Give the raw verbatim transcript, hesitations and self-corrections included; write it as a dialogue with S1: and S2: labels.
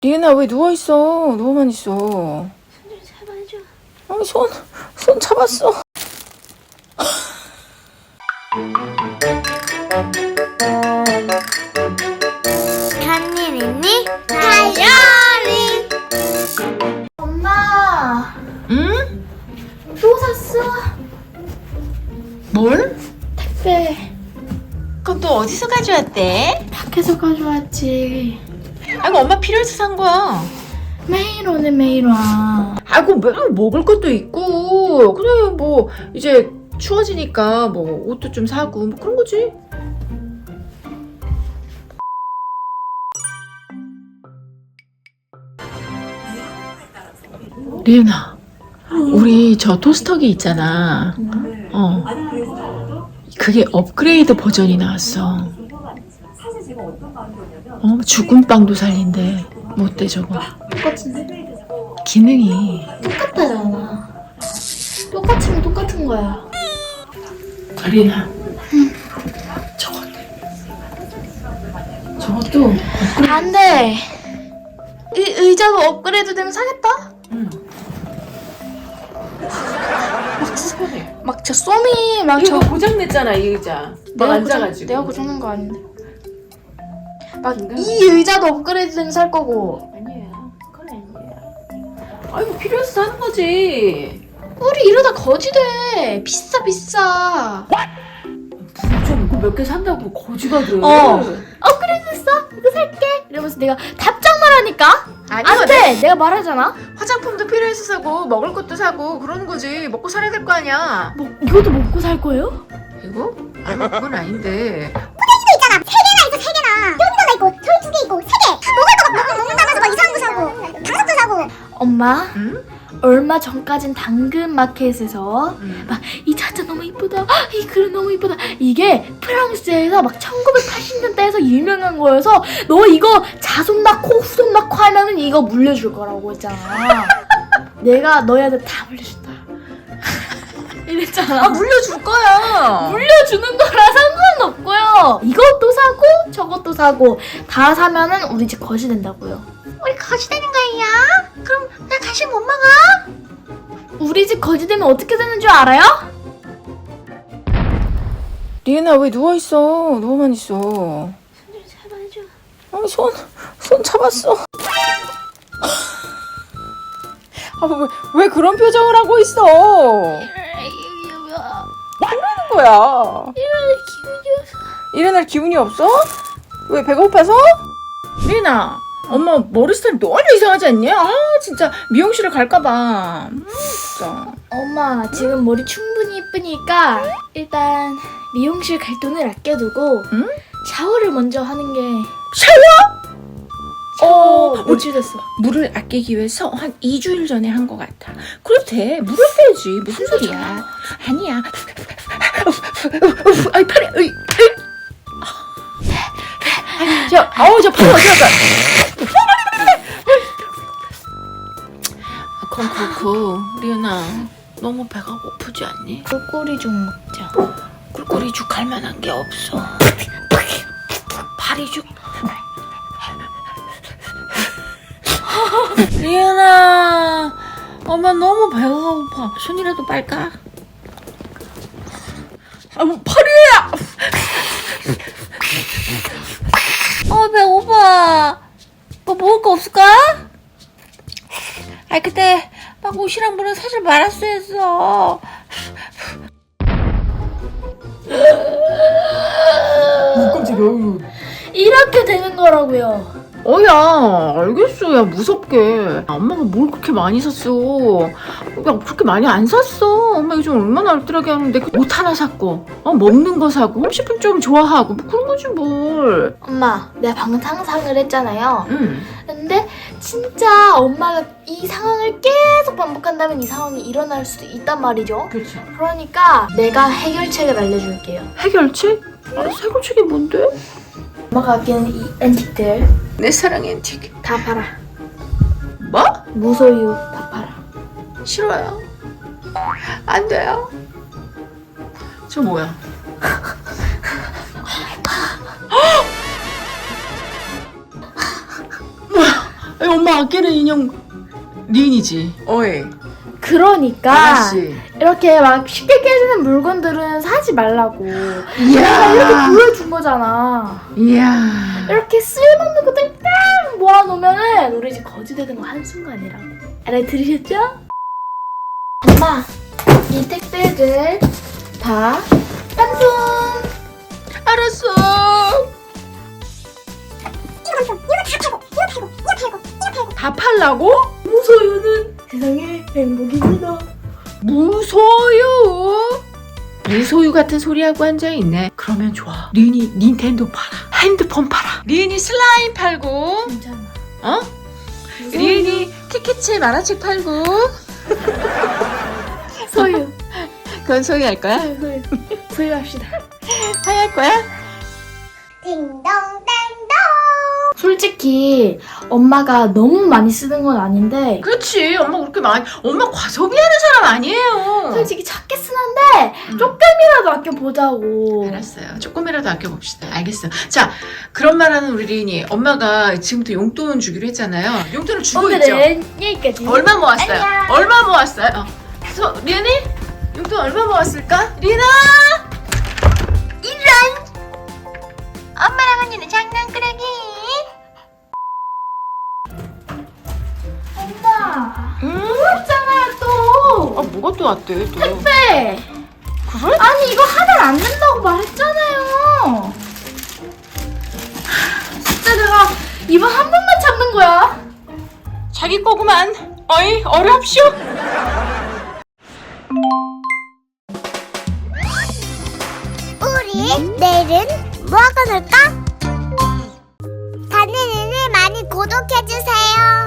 S1: 리은아 왜 누워있어? 누워만 있어.
S2: 손 좀 잡아줘.
S1: 아니 손, 손 잡았어.
S2: 간일 있니? 다이어리. 엄마
S1: 응?
S2: 또 샀어?
S1: 뭘?
S2: 택배
S1: 그럼 또 어디서 가져왔대?
S2: 밖에서 가져왔지.
S1: 아이고 엄마 필요해서 산 거야.
S2: 매일 오네 매일 와.
S1: 아이고 뭐, 먹을 것도 있고 그냥 뭐 이제 추워지니까 뭐 옷도 좀 사고 뭐 그런 거지. 리은아, 우리 저 토스터기 있잖아. 어. 그게 업그레이드 버전이 나왔어. 어, 죽은 빵도 살린대. 뭐 어때 저거?
S2: 똑같은데?
S1: 기능이.
S2: 똑같다잖아. 똑같으면 똑같은 거야.
S1: 리은아. 저거. 저것도.
S2: 안 돼. 의, 의자도 업그레이드 되면 사겠다?
S1: 응.
S2: 막 저 쏘미 막
S1: 이거
S2: 저
S1: 고장 냈잖아 이 의자. 막
S2: 내가
S1: 앉아가지고.
S2: 고장, 내가 고장난 거 아닌데. 막
S1: 인간?
S2: 이 의자도 업그레이드 되면 살 거고.
S1: 아니야. 그건 아니야. 아이고 필요해서 사는 거지.
S2: 우리 이러다 거지돼. 비싸 비싸.
S1: 좀 몇 개 산다고 거지가 돼.
S2: 어. 업그레이드 됐어? 이거 살게. 이러면서 내가 답장만 하니까.
S1: 아니,
S2: 안 돼. 내가 말하잖아.
S1: 화장품도 필요해서 사고 먹을 것도 사고 그러는 거지. 먹고 살아야 될 거 아니야.
S2: 뭐 이것도 먹고 살 거예요?
S1: 이거? 아니 그건 아닌데.
S3: 있잖아. 세 개나 있어, 세 개나. 여기도 하나 있고, 저기 두 개 있고, 세 개. 먹을 거 막 먹, 먹는다면서 막 이상한 거 사고, 당근도 사고.
S2: 엄마.
S1: 응?
S2: 얼마 전까진 당근 마켓에서
S1: 응.
S2: 막 이 차차 너무 이쁘다, 이 그릇 너무 이쁘다. 이게 프랑스에서 막 천구백팔십 년대에서 유명한 거여서 너 이거 자손 낳고 후손 낳고 하면은 이거 물려줄 거라고 했잖아. 내가 너희한테 다 물려준다. 이랬잖아.
S1: 아 물려줄 거야.
S2: 물려주는 거라 상관없고요. 이것도 사고 저것도 사고 다 사면은 우리 집 거지 된다고요.
S3: 우리 거지 되는 거야? 그럼 나 간식 못 먹어?
S2: 우리 집 거지 되면 어떻게 되는 줄 알아요?
S1: 리은아 왜 누워있어? 누워만 있어.
S2: 손 좀 잡아줘.
S1: 아니 손, 손 잡았어. 아, 왜, 왜 그런 표정을 하고 있어? 뭐라는 거야?
S2: 일어날 기분이 없어.
S1: 일어날 기분이 없어? 왜 배가 고파서? 리은아, 엄마 머리 스타일 너무 이상하지 않냐? 아 진짜 미용실을 갈까봐. 음, 진짜.
S2: 엄마 지금 머리 충분히 이쁘니까 일단 미용실 갈 돈을 아껴두고
S1: 응?
S2: 샤워를 먼저 하는 게
S1: 샤워?
S2: 샤워
S1: 어,
S2: 며칠 됐어.
S1: 물을 아끼기 위해서 한 이 주일 전에 한 것 같아. 그래도 돼. 물을 빼야지. 무슨 소리야. 아니야. 아이, 팔이, 으이, 으이. 아니, 저, 아우, 저 팔이 어디 갔어? 그럼 그렇고, 리은아, 너무 배가 고프지 않니?
S2: 꿀꿀이 좀 먹자.
S1: 꿀꿀이죽 할 만한 게 없어. 파리죽. 리은아, 엄마 너무 배가 고파. 손이라도 빨까? 아, 뭐 파리야! 어, 배고파. 뭐 먹을 거 없을까? 아이, 그때 막 옷이랑 물은 사실 말았어야 했어. 어, 깜짝이야.
S2: 이렇게 되는 거라고요.
S1: 어야 알겠어. 야 무섭게 엄마가 뭘 그렇게 많이 샀어. 야 그렇게 많이 안 샀어. 엄마 요즘 얼마나 알뜰하게 하는데 옷 하나 샀고 어 먹는 거 사고 홈쇼핑 좀 좋아하고 뭐 그런 거지 뭘.
S2: 엄마 내가 방금 상상을 했잖아요.
S1: 응.
S2: 근데 진짜 엄마가 이 상황을 계속 반복한다면 이 상황이 일어날 수도 있단 말이죠.
S1: 그렇죠.
S2: 그러니까 내가 해결책을 알려줄게요.
S1: 해결책? 알았어. 해결책이 뭔데?
S2: 엄마가 아끼는 이 앤틱들
S1: 내 사랑 앤틱.
S2: 다 팔아.
S1: 뭐?
S2: 무소유 다 팔아.
S1: 싫어요. 안 돼요. 저 뭐야? 뭐야? 엄마 아끼는 인형 리인이지. 어이.
S2: 그러니까
S1: 아가씨.
S2: 이렇게 막 쉽게 깨지는 물건들은 사지 말라고. 내가
S1: 이야.
S2: 이렇게 보여준 거잖아.
S1: 이야.
S2: 이렇게 쓸모없는 것들 딱 모아놓으면은 우리 집 거지 되는 거 한순간이라고. 알아들으셨죠? 엄마, 이 택배들 다 깜송.
S1: 알았어.
S3: 이거 깜짝. 이거 다 팔고, 이거 팔고, 이거 팔고, 이거 팔고.
S1: 다 팔라고?
S2: 무소유는 세상의 행복입니다.
S1: 무소유. 무소유 같은 소리하고 앉아있네. 그러면 좋아. 리은이 닌텐도 팔아. 핸드폰 팔아. 리은이 슬라임 팔고.
S2: 괜찮아.
S1: 어?
S2: 무소유.
S1: 리은이 티켓츠 만화책 팔고.
S2: 소유.
S1: 그건 소유할 거야?
S2: 소유, 소유. 소유합시다.
S1: 화할 거야?
S3: 딩동댕동.
S2: 솔직히 엄마가 너무 많이 쓰는 건 아닌데
S1: 그렇지. 엄마 그렇게 많이. 엄마 과소비하는 사람 아니에요.
S2: 솔직히 작게 쓰는데
S1: 음.
S2: 조금이라도 아껴보자고.
S1: 알았어요. 조금이라도 아껴봅시다. 알겠어. 자, 그런 말하는 우리 리인이 엄마가 지금부터 용돈 주기로 했잖아요. 용돈을 주고 있죠.
S2: 오늘은 여기까지.
S1: 얼마 모았어요?
S2: 안녕.
S1: 얼마 모았어요? 어. 소, 리은이? 용돈 얼마 모았을까? 리나! 이런! 엄마랑 언니는 장난꾸러기.
S2: 엄마.
S1: 응?
S2: 그랬잖아요 또.
S1: 아, 뭐가 또 왔대, 또.
S2: 택배.
S1: 그래?
S2: 아니 이거 하면 안 된다고 말했잖아요. 진짜 내가 이번 한 번만 참는 거야.
S1: 자기 거구만. 어이, 어렵쇼?
S3: 우리 내일은 뭐 하고 놀까? 다니는 일 많이 구독해주세요.